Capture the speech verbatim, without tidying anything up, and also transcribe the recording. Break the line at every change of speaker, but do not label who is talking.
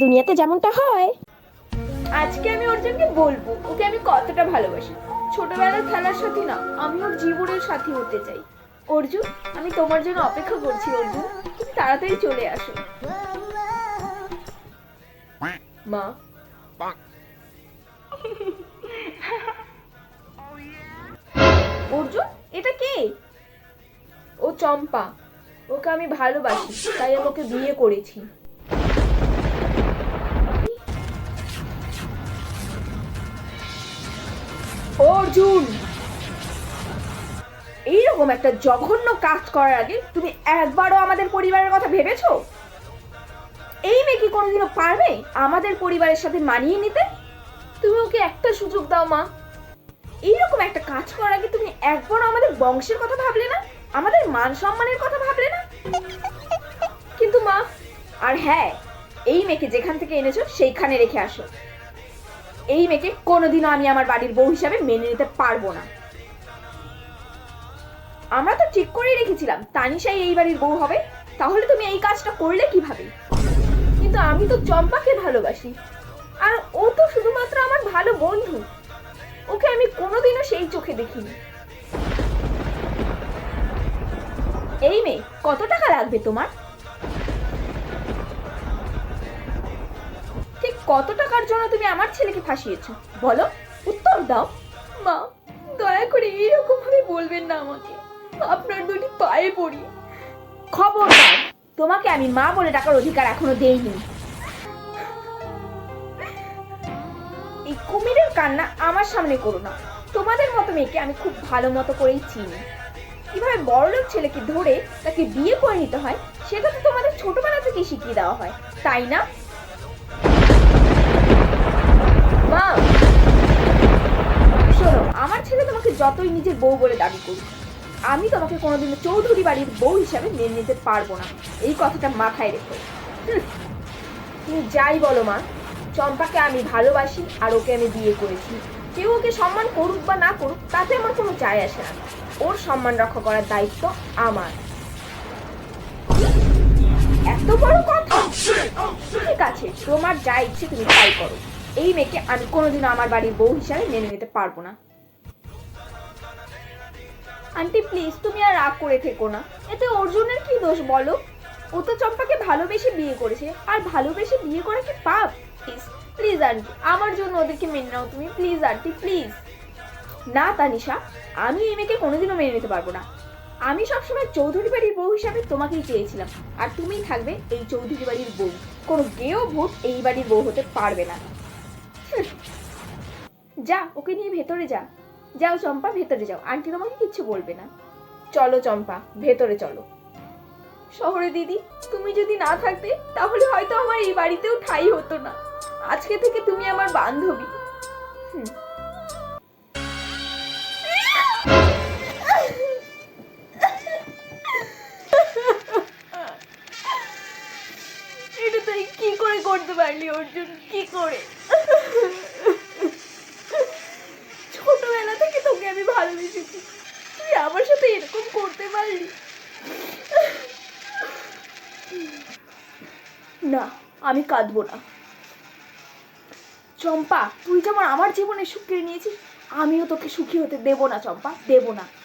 দুনিয়াতে যেমনটা হয়।
আজকে আমি অর্জুনকে বলবো ওকে আমি কতটা ভালোবাসি। ছোটবেলার খেলার সাথী না, আমি ওর জীবনের সাথী হতে চাই। অর্জুন, আমি তোমার জন্য অপেক্ষা করছি। অর্জুন, তুমি তাড়াতাড়ি চলে আসো। মা, অর্জুন, এটা কে? ও চম্পা। ওকে আমি ভালোবাসি, তাই আমি ওকে বিয়ে করেছি। অর্জুন, এইরকম একটা জঘন্য কাজ করার আগে তুমি একবারও আমাদের পরিবারের কথা ভেবেছো? এই মেয়ে কি কোনোদিনও পারবে আমাদের পরিবারের সাথে মানিয়ে নিতে? তুমি ওকে একটা সুযোগ দাও মা। এইরকম একটা কাজ করার আগে তুমি একবারও আমাদের বংশের কথা ভাবলে না, আমাদের মান সম্মানের কথা ভাবলে না? কিন্তু মা, আর হ্যাঁ, এই মেয়েকে যেখান থেকে এনেছো সেইখানে রেখে আসো। এই মেয়েকে কোনোদিনও আমি আমার বাড়ির বউ হিসাবে মেনে নিতে পারবো না। আমরা তো ঠিক করেই রেখেছিলাম তানিশাই এই বাড়ির বউ হবে, তাহলে তুমি এই কাজটা করলে কিভাবে? কিন্তু আমি তো চম্পাকে ভালোবাসি, আর ও তো শুধুমাত্র আমার ভালো বন্ধু। ওকে আমি কোনোদিনও সেই চোখে দেখিনি। এই মেয়ে, কত টাকা লাগবে তোমার? ঠিক কত টাকার জন্য তুমি আমার ছেলেকে ফাঁসিয়েছো বলো, উত্তর দাও। মা, দয়া করে এইরকম ভাবে বলবেন না আমাকে, আপনার দুটি পায়ে পড়ি। খবরদার, তোমাকে আমি মা বলে ডাকার অধিকার এখনো দেইনি। এই কুমিরের কান্না আমার সামনে করো না। তোমাদের মতো মেয়েকে আমি খুব ভালো মতো করেই চিনি। কিভাবে বড়লোক ছেলেকে ধরে তাকে বিয়ে করে নিতে হয় সেটা তো তোমাদের ছোটবেলা থেকেই শিখিয়ে দেওয়া হয়, তাই না? মা, শোনো, আমার ছেলে তোমাকে যতই নিজের বউ বলে দাবি করুক, আমি তোমাকে কোনোদিনও চৌধুরী বাড়ির বউ হিসাবে মেনে নিতে পারবো না। এই কথাটা মাথায় রেখো। তুমি যাই বলো মা, চম্পাকে আমি ভালোবাসি আর ওকে আমি বিয়ে করেছি। কেউ ওকে সম্মান করুক বা না করুক তাতে আমার কোনো যায় আসে না। ওর সম্মান রক্ষা করার দায়িত্ব আমার। এত বড় কথা? ঠিক আছে, তোমার যা ইচ্ছে তুমি তাই করো। এই মেয়েকে আমি কোনোদিনও আমার বাড়ির বউ হিসাবে মেনে নিতে পারবো না। আন্টি প্লিজ, তুমি আর রাগ করে থেকো না। এতে অর্জুনের কি দোষ বলো? ও তো চম্পাকে ভালোবেসে বিয়ে করেছে, আর ভালোবেসে বিয়ে করা কি পাপ? প্লিজ প্লিজ আন্টি, আমার জন্য ওদেরকে মেনে নাও তুমি, প্লিজ আন্টি প্লিজ। না তানিশা, আমি এই মেয়েকে কোনোদিনও মেনে নিতে পারবো না। আমি সবসময় চৌধুরী বাড়ির বউ হিসাবে তোমাকেই চেয়েছিলাম, আর তুমিই থাকবে এই চৌধুরী বাড়ির বউ। কোনো গেও ভূত এই বাড়ির বউ হতে পারবে না। যা, ওকে নিয়ে ভেতরে যা। যাও চম্পা, ভেতরে যাও, আন্টি তোমাকে কিচ্ছু বলবে না। চলো চম্পা, ভেতরে চলো। শহরে দিদি, তুমি যদি না থাকতে তাহলে হয়তো আমার এই বাড়িতেও ঠাঁই হতো না। আজকে থেকে তুমি আমার বান্ধবী। হুম। এটা তুই কি করে করতে পারলি অর্জুন, কি করে? ছোটবেলা থেকে তোকে আমি ভালোবেসেছি, তুই আমার সাথে এরকম করতে পারলি? না, আমি কাঁদবো না। চম্পা, তুই যেমন আমার জীবনে সুখ কেড়ে নিয়েছিস, আমিও তোকে সুখী হতে দেবো না চম্পা, দেবো না।